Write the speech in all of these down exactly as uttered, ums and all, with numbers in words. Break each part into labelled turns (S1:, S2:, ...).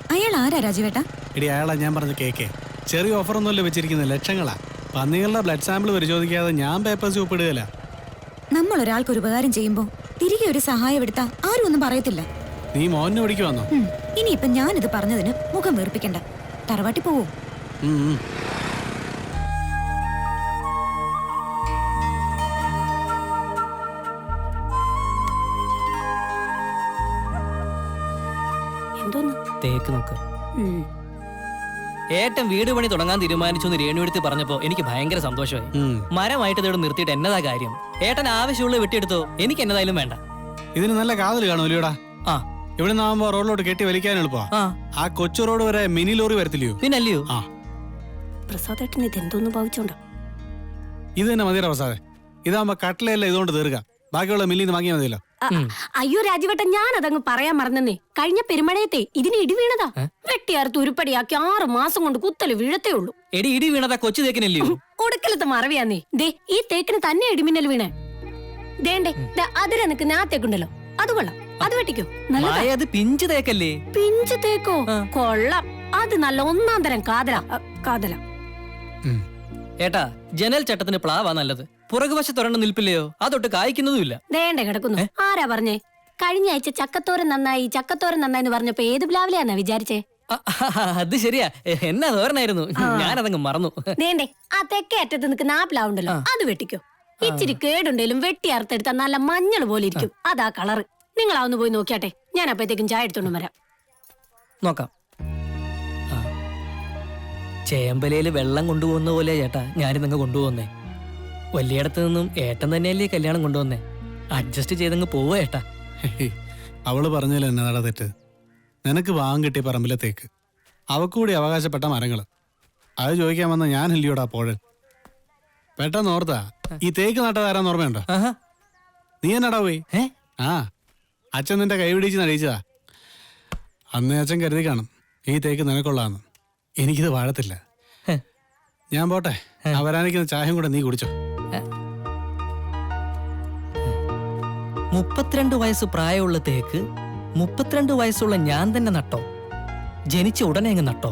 S1: അയാൾ ആരാ രാജുവേട്ടാ?
S2: എടി അയാളാ ഞാൻ പറഞ്ഞ കേക്ക്. ചെറിയ ഓഫറൊന്നുമല്ല വെച്ചിരിക്കുന്നത്, ലക്ഷങ്ങളാ. പന്നികളുടെ ബ്ലഡ് സാമ്പിൾ പരിശോധിക്കാതെ ഞാൻ പേപ്പേഴ്സ് ഒപ്പിടുകയില്ല.
S1: നമ്മൾ ഒരാൾക്ക് ഒരു ഉപകാരം ചെയ്യുമ്പോ തിരികെ ഒരു സഹായം എടുത്താ ആരും ഒന്നും പറയത്തില്ല.
S2: നീ മോനെ പിടിക്കുവാന്നോ?
S1: ഇനിയിപ്പൊ ഞാനിത് പറഞ്ഞതിന് മുഖം വീർപ്പിക്കണ്ട. തറവാട്ടി പോവോ?
S3: തേക്ക് നോക്ക്. ഏട്ടൻ വീട് പണി തുടങ്ങാൻ തീരുമാനിച്ചു രേണുവെടുത്ത് പറഞ്ഞപ്പോ എനിക്ക് ഭയങ്കര സന്തോഷമായി. മരമായിട്ട് ഇതോട് നിർത്തിയിട്ട് എന്നതാ കാര്യം? ഏട്ടൻ ആവശ്യമുള്ള വെട്ടിയെടുത്തോ, എനിക്ക് എന്നതായാലും വേണ്ട.
S2: ഇതിന് നല്ല കാതൽ കാണുമല്ലോടാ.
S3: ആ,
S2: ഇവിടെ നിന്നാകുമ്പോ റോഡിലോട്ട് കെട്ടി വലിക്കാൻ എളുപ്പാ. ആ കൊച്ചു റോഡ് വരെ മിനി ലോറി വരത്തില്ലയോ?
S3: പിന്നല്ലയോ?
S2: ആ,
S1: പ്രസാദേട്ടൻ ഇത് എന്തോന്ന് ഭാവിച്ചോണ്ടോ?
S2: ഇത് തന്നെ മതിയുടെ പ്രസാദേ. ഇതാകുമ്പോ കട്ടിലല്ല ഇതുകൊണ്ട് തീർക്കാം. ബാക്കിയുള്ള മില്ലിന്ന് വാങ്ങിയാൽ മതിയല്ലോ.
S1: അയ്യോ രാജുവേട്ടൻ, ഞാൻ അതങ്ങ് പറയാൻ മറന്നേ. കഴിഞ്ഞ പെരുമഴയത്തെ ഇതിന് ഇടി വീണതാ. വെട്ടിയാർത്ത് ഉരുപ്പടിയാക്കി ആറ് മാസം കൊണ്ട് കുത്തല് വീഴത്തേ ഉള്ളൂ.
S3: എടി ഇടി വീണതാ കൊച്ചു തേക്കിനല്ലയോ?
S1: കൊടുക്കലത്തെ മറവിയാന്നേ. ദേ ഈ തേക്കിന് തന്നെ ഇടിമിന്നൽ വീണേ. ദേണ്ടേ അതിരെ നിൽക്കുന്ന ആ തേക്കുണ്ടല്ലോ, അത് കൊള്ളാം. അത് വെട്ടിക്കോ.
S3: അത് പിഞ്ചു തേക്കല്ലേ?
S1: പിഞ്ചു തേക്കോ? കൊള്ളാം. അത് നല്ല ഒന്നാം തരം കാതല കാതല.
S3: ഏട്ടാ, ജനൽ ചട്ടത്തിന് പ്ലാവാ നല്ലത്. പുറകുവശത്തൊരെണ്ണം നിൽപ്പില്ലയോ? അതൊട്ട് കായ്ക്കുന്നതുമില്ല.
S1: ദേണ്ടേ കിടക്കുന്നു. ആരാ പറഞ്ഞേ? കഴിഞ്ഞ ആഴ്ച ചക്കത്തോരൻ നന്നായി ചക്കത്തോരൻ നന്നായി എന്ന് പറഞ്ഞപ്പോ ഏത് പ്ലാവിലാന്നാ വിചാരിച്ചേ?
S3: അത് ശരിയാ, എന്നാ തോരനായിരുന്നു. ഞാനതങ്ങ് മറന്നു.
S1: ദേണ്ടേ ആ തെക്കേ അറ്റത്ത് നിൽക്കുന്ന ആ പ്ലാവുണ്ടല്ലോ, അത് വെട്ടിക്കോ. ഇച്ചിരി കേടുണ്ടേലും വെട്ടി അറുത്തെടുത്താൽ നല്ല മഞ്ഞൾ പോലെ ഇരിക്കും. അതാ കളറ്. നിങ്ങളാവുന്ന പോയി നോക്കിയാട്ടെ. ഞാൻ അപ്പഴത്തേക്കും ചായ എടുത്തോണ്ട് വരാം.
S3: നോക്കാം. ചേമ്പലയില് വെള്ളം കൊണ്ടുപോകുന്ന പോലെ ചേട്ടാ ഞാനിതങ്ങ് കൊണ്ടുപോകുന്നേ. വലിയടത്ത് നിന്നും ഏട്ടൻ തന്നെയല്ലേ കല്യാണം കൊണ്ടുവന്നേ. അഡ്ജസ്റ്റ് ചെയ്തങ്ങ് പോവുക ഏട്ടാ.
S2: അവള് പറഞ്ഞല്ലോ എന്നതാടാ തെറ്റ്. നിനക്ക് വാങ്ങാൻ കിട്ടിയ പറമ്പിലത്തേക്ക് അവക്കൂടി അവകാശപ്പെട്ട മരങ്ങള്. അത് ചോദിക്കാൻ വന്ന ഞാൻ ഇല്ലയോടാ പോഴൻ. പെട്ടെന്ന് ഓർത്താ ഈ തേക്ക് നട്ടതാരാന്ന് ഓർമ്മയുണ്ടോ? നീ എന്നടാ പോയി? ആ, അച്ഛൻ നിന്റെ കൈ പിടിച്ച് നടിച്ചതാ. അന്നേ അച്ഛൻ കരുതി കാണും ഈ തേക്ക് നിനക്കൊള്ളാന്ന്. എനിക്കിത് വാഴത്തില്ല. ഞാൻ പോട്ടെ. അവരാനിക്കുന്ന ചായയും കൂടെ നീ കുടിച്ചോ.
S3: മുപ്പത്തിരണ്ട് വയസ്സ് പ്രായമുള്ള തേക്ക് മുപ്പത്തിരണ്ട് വയസ്സുള്ള ഞാൻ തന്നെ നട്ടോ? ജനിച്ച ഉടനെ അങ്ങ് നട്ടോ?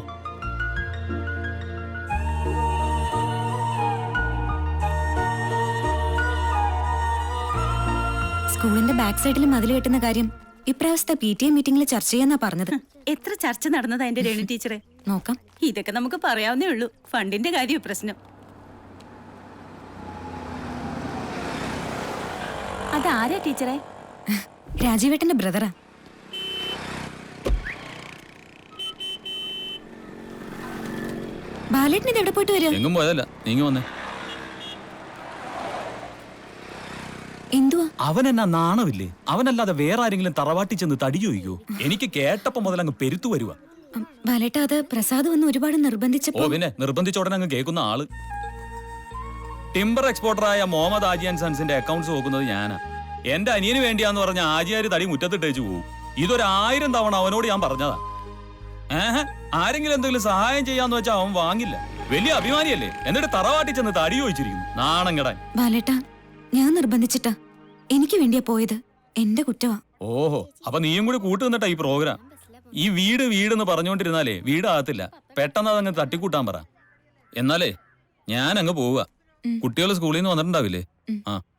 S1: സ്കൂളിന്റെ ബാക്ക് സൈഡിൽ മതിൽ കെട്ടുന്ന കാര്യം ഇപ്രാവശ്യത്തെ പി ടി എ മീറ്റിംഗിൽ ചർച്ച ചെയ്യാന്നാ പറഞ്ഞത്.
S4: എത്ര ചർച്ച നടന്നതാ എന്റെ രേണു ടീച്ചറെ?
S1: നോക്കാം.
S4: ഇതൊക്കെ നമുക്ക് പറയാവുന്നേ ഉള്ളൂ. ഫണ്ടിന്റെ കാര്യം പ്രശ്നം. അതാരാ ടീച്ചറെ?
S1: രാജീവേട്ടന്റെ ബ്രദറാ. ബാലേട്ടൻ ഇത് എവിടെ പോയിട്ട് വരിക?
S5: എങ്ങും പോയതല്ല, നീങ്ങി വന്നേ.
S1: എന്തുവാ?
S5: അവൻ എന്നാ നാണമില്ലേ? അവനല്ലാതെ വേറെ ആരെങ്കിലും തറവാട്ടി ചെന്ന് തടി ചോദിക്കോ? എനിക്ക് കേട്ടപ്പോ മുതൽ അങ്ങ് പെരുത്തു വരുവാ.
S1: ബാലേട്ട, അത് പ്രസാദ് വന്ന് ഒരുപാട് നിർബന്ധിച്ചപ്പോ.
S5: ഓ പിന്നെ നിർബന്ധിച്ച ഉടനെ അങ്ങ് കേൾക്കുന്ന ആള്. ടിംബർ എക്സ്പോർട്ടറായ മുഹമ്മദ് ആജി ആൻഡ് സൺസിന്റെ അക്കൗണ്ട്സ് നോക്കുന്നത് ഞാനാ. എന്റെ അനിയന് വേണ്ടിയാന്ന് പറഞ്ഞ ആജിയാര് തടി മുറ്റത്തിട്ടേച്ചു പോകും. ഇതൊരായിരം തവണ അവനോട് ഞാൻ പറഞ്ഞതാ. ഏഹ് ആരെങ്കിലും എന്തെങ്കിലും സഹായം ചെയ്യാന്ന് വെച്ചാൽ അവൻ വാങ്ങില്ല. വലിയ അഭിമാനിയല്ലേ? എന്നിട്ട് തറവാട്ടി ചെന്ന് തടി ചോദിച്ചിരിക്കുന്നു. നാണം കെടാൻ.
S1: ബാലേട്ട, ഞാൻ നിർബന്ധിച്ചിട്ടാ. എനിക്ക് വേണ്ടിയാ പോയത്. എന്റെ കുറ്റവാ.
S5: ഓഹോ, അപ്പൊ നീയും കൂടി കൂട്ടു നിന്നിട്ടാ ഈ പ്രോഗ്രാം. ഈ വീട് വീടെന്ന് പറഞ്ഞുകൊണ്ടിരുന്നാലേ വീടാകത്തില്ല. പെട്ടെന്ന് അതങ്ങ് തട്ടിക്കൂട്ടാൻ പറ. എന്നാലേ ഞാൻ അങ്ങ് പോവുക. കുട്ടികൾ സ്കൂളിൽ നിന്ന് വന്നിട്ടുണ്ടാവില്ലേ? ആ